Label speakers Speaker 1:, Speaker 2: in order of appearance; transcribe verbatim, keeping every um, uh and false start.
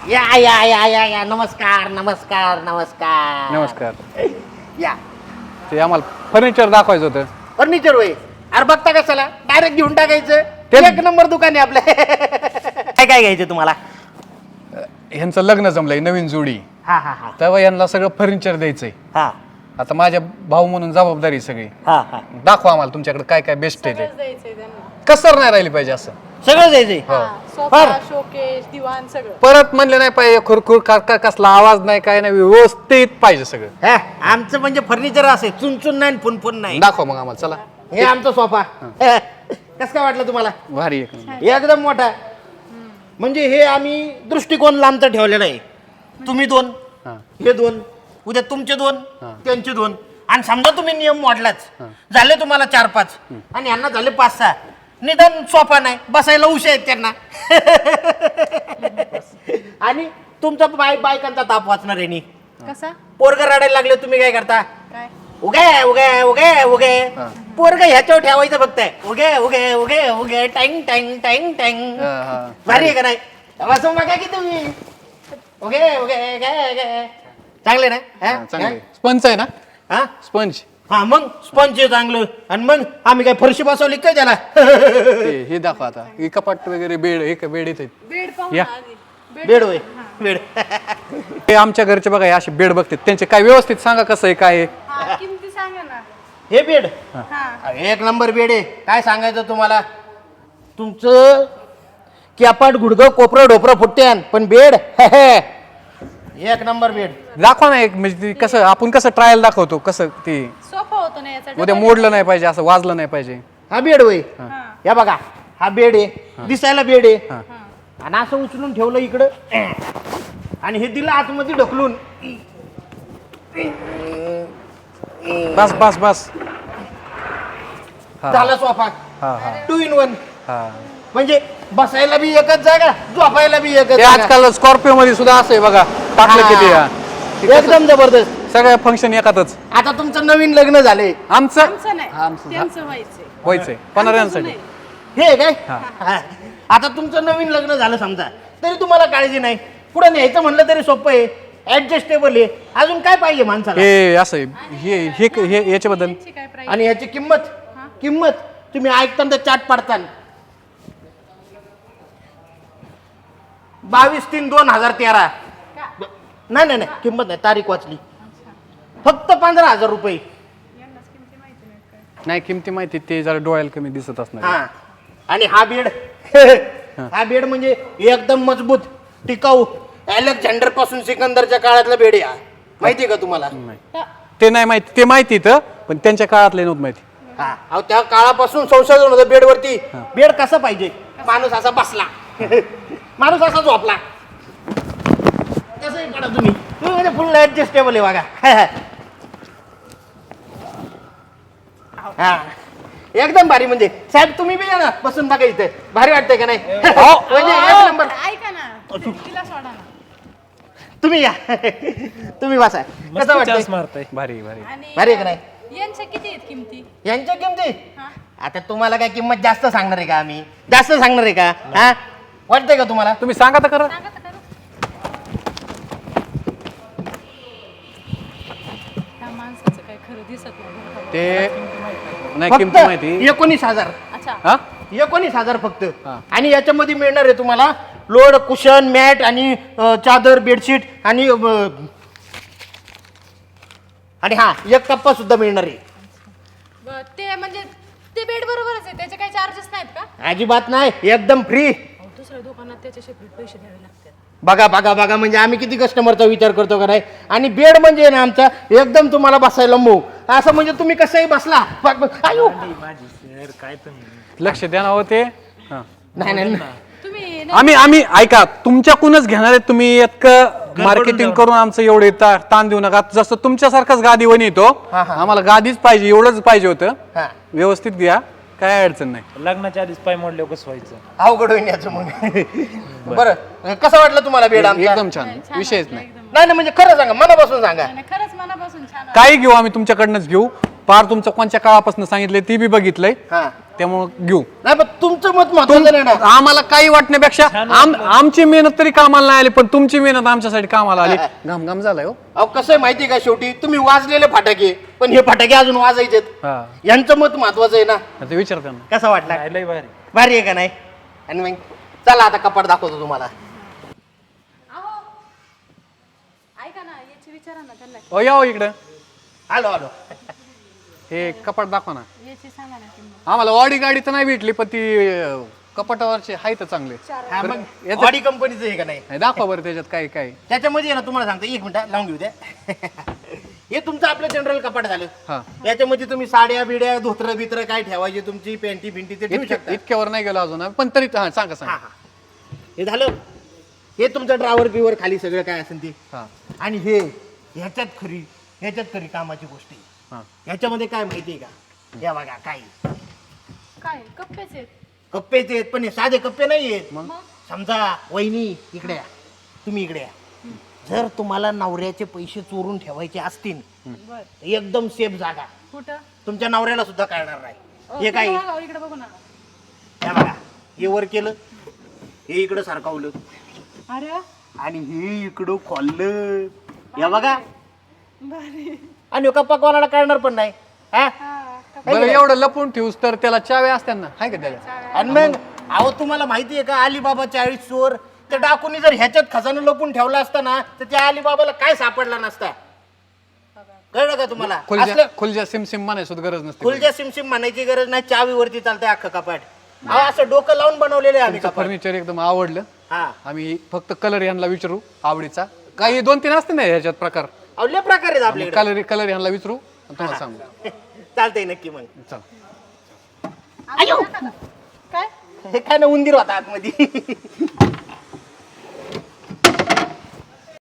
Speaker 1: या या या या या नमस्कार नमस्कार नमस्कार
Speaker 2: नमस्कार.
Speaker 1: या
Speaker 2: ते आम्हाला फर्निचर दाखवायचं होतं.
Speaker 1: फर्निचर होय. अरे बघता कशाला डायरेक्ट घेऊन टाकायचं.
Speaker 2: ते-
Speaker 1: एक नंबर दुकान आहे आपलं. काय काय घ्यायचं तुम्हाला?
Speaker 2: ह्यांचं लग्न जमलंय, नवीन जोडी.
Speaker 1: हा हा हा
Speaker 2: तेव्हा यांना सगळं फर्निचर द्यायचंय.
Speaker 1: हा
Speaker 2: आता माझ्या भाऊ म्हणून जबाबदारी सगळी.
Speaker 1: हा हा
Speaker 2: दाखवा आम्हाला तुमच्याकडे काय काय बेस्ट आहे ते.
Speaker 3: सगळंच द्यायचंय त्यांना.
Speaker 2: कसर नाही राहिली पाहिजे असं.
Speaker 1: सगळं द्यायचंय.
Speaker 3: हा, सोफा, शोकेस, दिवाण सगळं.
Speaker 2: परत म्हणले नाही पाहिजे खुरखुर का का- कसला आवाज नाही, काय नाही, व्यवस्थित पाहिजे सगळं.
Speaker 1: हा, आमचं म्हणजे फर्निचर असे चुनचुन नाही फुनफुन नाही.
Speaker 2: दाखवा मग आम्हाला. चला.
Speaker 1: हे आमचा सोफा. कसं काय वाटलं तुम्हाला?
Speaker 2: भारी एक नंबर.
Speaker 1: एकदम मोठा. म्हणजे हे आम्ही दृष्टिकोन लांबचा ठेवलेला आहे. तुम्ही दोन,
Speaker 2: हा.
Speaker 1: हे दोन, उद्या तुमचे दोन,
Speaker 2: हा.
Speaker 1: त्यांचे दोन, आणि समजा तुम्ही नियम मोडलाच, झाले तुम्हाला चार पाच आणि यांना झाले पाच सहा. निदान सोफा नाही, बसायला उशा आहेत त्यांना. आणि तुमचा बाय बायकांचा ताप वाचणार आहे.
Speaker 3: कसा?
Speaker 1: पोरग रडायला लागले तुम्ही काय करता?
Speaker 3: काय?
Speaker 1: उगे उगे उगे उगे
Speaker 2: हा.
Speaker 1: पोरग ह्याच्यावर ठेवायचं फक्त उगे उगे उगे उगे टँग टँग टँग टँग.
Speaker 2: हा, हा.
Speaker 1: भारी आहे का नाही? बसून बघा की तुम्ही. उगे उगे उगे उगे. चांगले ना? हा?
Speaker 2: चांगलं स्पंज आहे ना?
Speaker 1: हा?
Speaker 2: स्पंज.
Speaker 1: हा मग स्पंज आहे चांगलं. आणि मग आम्ही काय फरशी बसवली काय त्याला?
Speaker 2: ते हे दाखवा आता. हे कपाट वगैरे बेड, हे का बेड येते.
Speaker 3: बेड पाहू
Speaker 2: या.
Speaker 3: ना आधी.
Speaker 1: बेड होय बेड.
Speaker 2: ते आमच्या घरचे बघा हे असे बेड बघते, त्यांचे काय व्यवस्थित सांगा कसं आहे काय आहे.
Speaker 3: हा, किमती सांगा ना.
Speaker 1: हे बेड
Speaker 3: हा.
Speaker 1: एक नंबर बेड आहे. काय सांगायचं तुम्हाला? तुमचं कॅपाट गुडघं कोपरं ढोपरं फुट्ट्यान पण बेड एक नंबर बेड.
Speaker 2: दाखवा ना एक, म्हणजे ते कसं आपण कसं ट्रायल दाखवतो कसं ते
Speaker 3: सोफा होतो ना याचा.
Speaker 2: उद्या मोडलं नाही पाहिजे, असं वाजलं नाही पाहिजे.
Speaker 1: हा बेड होय.
Speaker 3: हा.
Speaker 1: या बघा हा बेड आहे. दिसायला बेड आहे.
Speaker 2: हा.
Speaker 1: आणि असं उचलून ठेवलं इकडं आणि हे दिलं आतमध्ये ढकलून.
Speaker 2: बस बस बस. हा.
Speaker 1: झाला सोफा.
Speaker 2: हा हा
Speaker 1: टू इन वन.
Speaker 2: हा.
Speaker 1: म्हणजे बसायला बी एकच जागा, झोपायला बी एकच
Speaker 2: ते
Speaker 1: जागा.
Speaker 2: आजकाल स्कॉर्पिओ मध्ये सुद्धा असं आहे बघा, टाकलं
Speaker 1: हा.
Speaker 2: किती हा. ते कसं
Speaker 1: एकदम जबरदस्त.
Speaker 2: सगळ्या फंक्शन एकातच.
Speaker 1: आता तुमचं नवीन लग्न झालंय.
Speaker 2: आमचं
Speaker 3: आमचं नाही,
Speaker 2: आमचं
Speaker 3: त्यांचं व्हायचंय.
Speaker 2: व्हायचंय पणाऱ्यांसाठी.
Speaker 1: हे आहे काय?
Speaker 2: हा.
Speaker 1: हा. आता तुमचं नवीन लग्न झालं समजा, तरी तुम्हाला काळजी नाही. पुढे न्यायचं म्हणलं तरी सोपं आहे, ऍडजस्टेबल आहे. अजून काय पाहिजे माणसाला?
Speaker 2: हे असं आहे. हे हे हे याच्याबद्दल
Speaker 3: त्यांची काय प्राइस?
Speaker 1: आणि ह्याची किंमत किंमत तुम्ही ऐकताना चाट पाडता. बावीस तीन दोन हजार तेरा.
Speaker 3: का?
Speaker 1: नाही नाही नाही किंमत नाही, तारीख वाचली. फक्त पंधरा हजार रुपये.
Speaker 3: यांनाच किमती माहिती नाही काय.
Speaker 2: नाही किमती माहिती, ते जरा डोळ्याला कमी दिसत असणार.
Speaker 1: हा. आणि हा बेड हा बेड म्हणजे एकदम मजबूत टिकाऊ अलेक्झांडर पासून सिकंदरच्या काळातला बेड आहे हा. माहितीये का तुम्हाला?
Speaker 2: नाही. ते नाही माहिती, ते माहिती तर पण त्यांच्या काळातले नव्हतं माहिती.
Speaker 1: हा अहो, त्या काळापासून संशोधन होतं बेडवरती. बेड कसा पाहिजे? माणूस असा बसला, माणूस असा झोपला, तसंही पडा तुम्ही. तुम्ही म्हणजे फुल ऍडजस्टेबल आहे बघा. हा एकदम भारी. म्हणजे साहेब तुम्ही बी या ना, बसून बघा इथे. भारी वाटतंय का नाही? म्हणजे एक नंबर.
Speaker 3: ऐका ना, तिला सोडा ना.
Speaker 1: तुम्ही या, तुम्ही बसा. कसं वाटतंय?
Speaker 2: भारी भारी.
Speaker 3: आणि
Speaker 1: भारी आहे का नाही?
Speaker 3: यांच्या किती आहेत किमती?
Speaker 1: यांच्या किमती
Speaker 3: हा.
Speaker 1: आता तुम्हाला काय किंमत जास्त सांगणार आहे का? आम्ही जास्त सांगणार आहे का? हा वाटतंय का तुम्हाला?
Speaker 2: तुम्ही सांगा तर खरं.
Speaker 3: सांगा तर खरं. त्या माणसाचं काय खरं दिसत नाही.
Speaker 2: ते नाही किमती माहिती.
Speaker 1: फक्त एकोणीस हजार.
Speaker 3: अच्छा.
Speaker 1: हा एकोणीस हजार फक्त.
Speaker 2: हा.
Speaker 1: आणि याच्यामध्ये मिळणार आहे तुम्हाला लोड, कुशन, मॅट आणि अ, चादर, बेडशीट आणि अ, आणि हा एक कप्पा सुद्धा मिळणार आहे.
Speaker 3: ब- ते म्हणजे ते बेड बरोबरच आहे, त्याचे काही चार्जेस नाहीत का?
Speaker 1: अजिबात नाही, एकदम फ्री.
Speaker 3: अहो, दुसऱ्या दुकानात त्याचे सेपरेट पैसे द्यावे लागतात.
Speaker 1: बघा बघा बघा म्हणजे आम्ही किती कस्टमरचा विचार करतो का नाही. आणि बेड म्हणजे ना आमचा एकदम तुम्हाला बसायला मऊ असं. म्हणजे तुम्ही कसंही बसला. ब- ब- आयो.
Speaker 2: लक्ष द्या ना हो ते. हा.
Speaker 1: नाही नाही नाही.
Speaker 3: तुम्ही न-
Speaker 2: आम्ही आम्ही ऐका, तुमच्याकडूनच घेणार आहे. तुम्ही इतकं मार्केटिंग करून आमचं एवढे ता- ताण देऊ नका. जसं तुमच्यासारखाच गादी वन येतो,
Speaker 1: हा, हा.
Speaker 2: आम्हाला गादीच पाहिजे, एवढंच पाहिजे होतं.
Speaker 1: हा
Speaker 2: व्यवस्थित घ्या, काय अडचण नाही.
Speaker 4: लग्नाच्या आधीच पाय मोडल्यावर कसं व्हायचं?
Speaker 1: अवघड होईन याचं मग. बरं कसं वाटलं तुम्हाला बेड आमचा?
Speaker 2: एकदम छान,
Speaker 3: छान
Speaker 2: विषयच
Speaker 3: वाटलं
Speaker 2: नाही.
Speaker 3: एकदम.
Speaker 1: नाही नाही म्हणजे खरं सांगा, मनापासून सांगा.
Speaker 3: नाही, नाही, खरंच मनापासून छान वाटलं.
Speaker 2: काही घेऊ आम्ही तुमच्याकडनंच घेऊ. पार तुमचं कोणत्या काळापासून सांगितलंय ती बी बघितलंय
Speaker 1: हा
Speaker 2: त्यामुळं घेऊ.
Speaker 1: नाही पण तुमचं मत महत्वाचं नाही ना.
Speaker 2: आम्हाला काही वाटण्यापेक्षा आम- आमची मेहनत तरी कामाला नाही आली, पण तुमची मेहनत आमच्यासाठी कामाला आली. घाम घाम झालाय हो.
Speaker 1: अहो कसं आहे माहिती का, शेवटी तुम्ही वाजलेले फटाके, पण हे फटाके अजून वाजायचेत.
Speaker 2: हा
Speaker 1: यांचं मत महत्वाचं आहे ना.
Speaker 2: ते विचारते ना.
Speaker 1: कसा वाटला?
Speaker 4: नाही, लय भारी.
Speaker 1: भारी आहे का नाही? आणि मग चला आता कपाट दाखवतो तुम्हाला.
Speaker 3: अहो ऐका ना, याची विचारा ना त्यांना.
Speaker 2: ओ या हो इकडं.
Speaker 1: आलो आलो.
Speaker 2: हे कपाट दाखवा ना.
Speaker 3: याची सांगा ना किंमत.
Speaker 2: आम्हाला ऑडी गाडी तर नाही भेटली, पण ती अं, कपाटावरचे आहे तर चांगले.
Speaker 1: हा मग
Speaker 2: याचं-
Speaker 1: ऑडी कंपनीचं आहे का नाही?
Speaker 2: हे दाखवा बरं त्याच्यात काय काय.
Speaker 1: त्याच्यामध्ये आहे ना, तुम्हाला सांगतो एक मिनिट लावून घेऊ द्या. हे तुमचं आपलं जनरल कपाट झालं.
Speaker 2: हा
Speaker 1: याच्यामध्ये तुम्ही साड्या बिड्या धोत्र बित्र काय ठेवायचे, तुमची पॅन्टी फिंटी ते ठेवू
Speaker 2: इतक्या-
Speaker 1: शकता.
Speaker 2: इतक्यावर नाही गेलो अजून पण तरी हा सांगा
Speaker 1: हा
Speaker 2: सांगा.
Speaker 1: हा हे झालं. हे तुमचं ड्रावर बिवर खाली सगळं काय असेल ते.
Speaker 2: हा
Speaker 1: आणि हे ह्याच्यात खरी ह्याच्यात खरी कामाची गोष्ट आहे.
Speaker 2: हा
Speaker 1: ह्याच्यामध्ये काय माहितीये का, या बघा काय
Speaker 3: काय कप्पेच आहेत?
Speaker 1: कप्पेच आहेत, पण हे साधे कप्पे नाही आहेत.
Speaker 2: मग?
Speaker 1: समजा वहिनी इकडे या, तुम्ही इकडे या. जर तुम्हाला नवऱ्याचे पैसे चोरून ठेवायचे असतील
Speaker 3: बर
Speaker 1: तर एकदम सेफ जागा,
Speaker 3: कुठं?
Speaker 1: तुमच्या नवऱ्याला सुद्धा कळणार नाही.
Speaker 3: अहो,
Speaker 1: हे काय
Speaker 3: इकडे बघा, इकडे बघू ना.
Speaker 1: हे बघा, हे वर केलं, हे इकडं सारखावलं,
Speaker 3: अरे
Speaker 1: आणि हे इकडं खोललं, हे बघा.
Speaker 3: भारी.
Speaker 1: आणि कप्पा कोणाला कळणार पण नाही. हा
Speaker 3: हा
Speaker 2: बरं एवढं लपून ठेवूस तर त्याला चाव्या असतात ना, हाय का त्याला?
Speaker 1: आणि मग अहो तुम्हाला माहिती आहे का, अलिबाबा चाळीस चोर त्या डाकूनी जर ह्याच्यात खजाना लपून ठेवला असता ना, तर त्या अलिबाबाला काय सापडला नसता. कळलं का तुम्हाला?
Speaker 2: खुलजा
Speaker 1: असलं
Speaker 2: खुलजा सिम सिम म्हणायची सुद्धा गरज नसते.
Speaker 1: खुलच्या सिमसिम म्हणायची गरज नाही, चावीवरती चालतंय अख्खं कपाट. अहो असं डोकं लावून बनवलेलं आहे आम्ही कपाट.
Speaker 2: फर्निचर एकदम आवडलं.
Speaker 1: हा
Speaker 2: आम्ही फक्त कलर यांना विचारू आवडीचा. काही दोन तीन असते ना ह्याच्यात प्रकार.
Speaker 1: अहो लय प्रकार आहेत आपल्याकडे.
Speaker 2: कलर कलर यांना विचारू आणि तुम्हाला सांगू.
Speaker 1: चालतंय नक्की मग.
Speaker 2: चला
Speaker 3: आम्ही नका ना. काय?
Speaker 1: हे काय ना उंदीर होता आतमध्ये.